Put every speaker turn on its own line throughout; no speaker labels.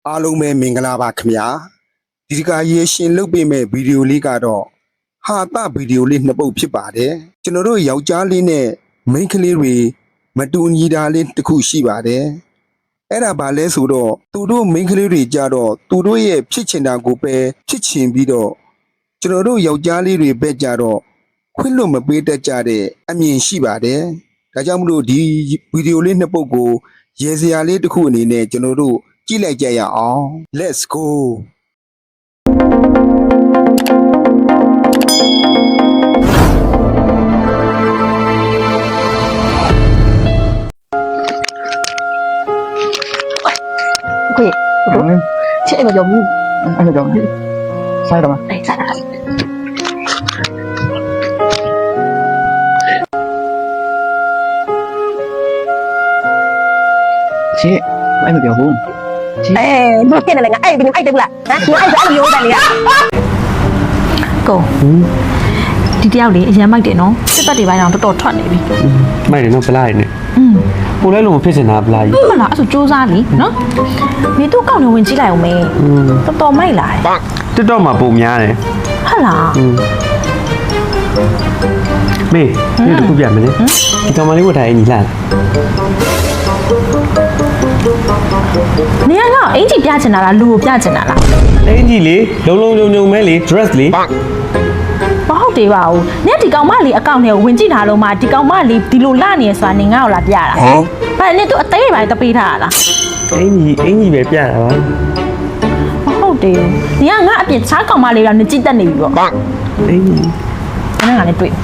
အားလုံးပဲမင်္ဂလာပါခင်ဗျာဒီတခါရေရှင်လုပ်ပေးမဲ့ဗီဒီယိုလေးကတော့ဟာသဗီဒီယိုလေးနှစ်ပုတ်ဖြစ်ပါတယ်ကျွန်တော်တို့ယောက်ျားလေးနဲ့မိန်းကလေးတွေမတူညီတာလေးတစ်ခုရှိပါတယ်အဲ့ဒါဘာလဲဆိုတော့သူတို့မိန်းကလေးတွေကြတော့သူတို့ရဲ့ဖြစ်ချင်တာကိုပဲဖြစ်ချင်ပြီးတော့ကျွန်တော်တို့ယောက်ျားလေးတွေပဲကြတော့ခွင့်လွတ်မပေးတတ်ကြတဲ့အမြင်ရှိပါတယ်ဒါကြောင့်မလို့ဒီဗီဒီယိုလေးနှစ်ပုတ်ကိုရေစရာလေးတစ်ခုအနေနဲ့ကျွန်တော်တို့ကြည့်လိုက်ကြရအောင် Let's go
ကိုချစ်အိမ်မပြောဘူး
အဲ့ဒါကြောင့်ဆိုင်တော့
အေးစားတာ
ချစ်အဲ့မပြောဘူးချစ်
ဘယ်နဲ့လဲငါအဲ့ဘယ်အဲ့တက်ဘူးလားဟမ်ငါအဲ့ဒါမျိုးတယ်လေကိုဒီတယောက်လေအရန်မိုက်တယ်နော်စစ်တပ်တွေပိုင်းတော့တော်တော်ထွက်နေပြီ
မိုက်တယ်နော်ဗလာရည်နဲ့ကိုလည်းလုံးမဖြစ်စင်တာဗလာရည်
မလားအဲ့ဆိုစူးစမ်းလीနော်မင်းတို့ကောက်နေဝင်ကြည့်လိုက်အောင်မေတော်တော်မိုက်လာတယ်
တစ်တော့မှာပုံများတယ်
ဟုတ်လား
မေးဒီတစ်ခုပြမယ်လေဒီကောင်မလေးဝတ်ထားအင်ကြီးလာ
နေရကအင်ကြီးပြချင်တာလားလူကိုပြချင်တာလား
အင်ကြီးလေလုံးညုံမဲလေ dress လေ
မဟုတ်သေးပါဘူး။နင်ဒီကောင်မလေးအကောင့်ထဲကိုဝင်ကြည့်ထားလို့မှဒီကောင်မလေးဒီလိုလာနေရဆိုတာနင်ငါ့ကိုလာပြတာ။ဘာလဲနင်တို့အသေးပိုင်းတပေးထားတာလား
အင်ကြီးပဲပြတာပါ
။မဟုတ်သေးဘူး။နင်ကငါအပြင်ချားကောင်မလေးတော့နင်ကြည့်တတ်နေပြီပေါ့။
အင်ကြီး
နင်ကလည်းတွေ့။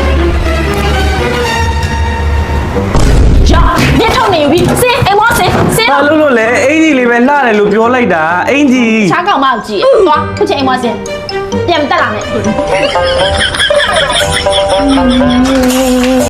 ကြောက်မြတ်ထုံနေပြီ။စင်အိမ်မောစင်
ဘာလို့လို့လဲအင်ကြီးလေးပဲလှတယ်လို့ပြောလိုက်တာအင်ကြီး
ချားကောင်မကိုကြည့်။သွားခုချိန်အိမ်မောစင်ပြန်တက်လာမယ်။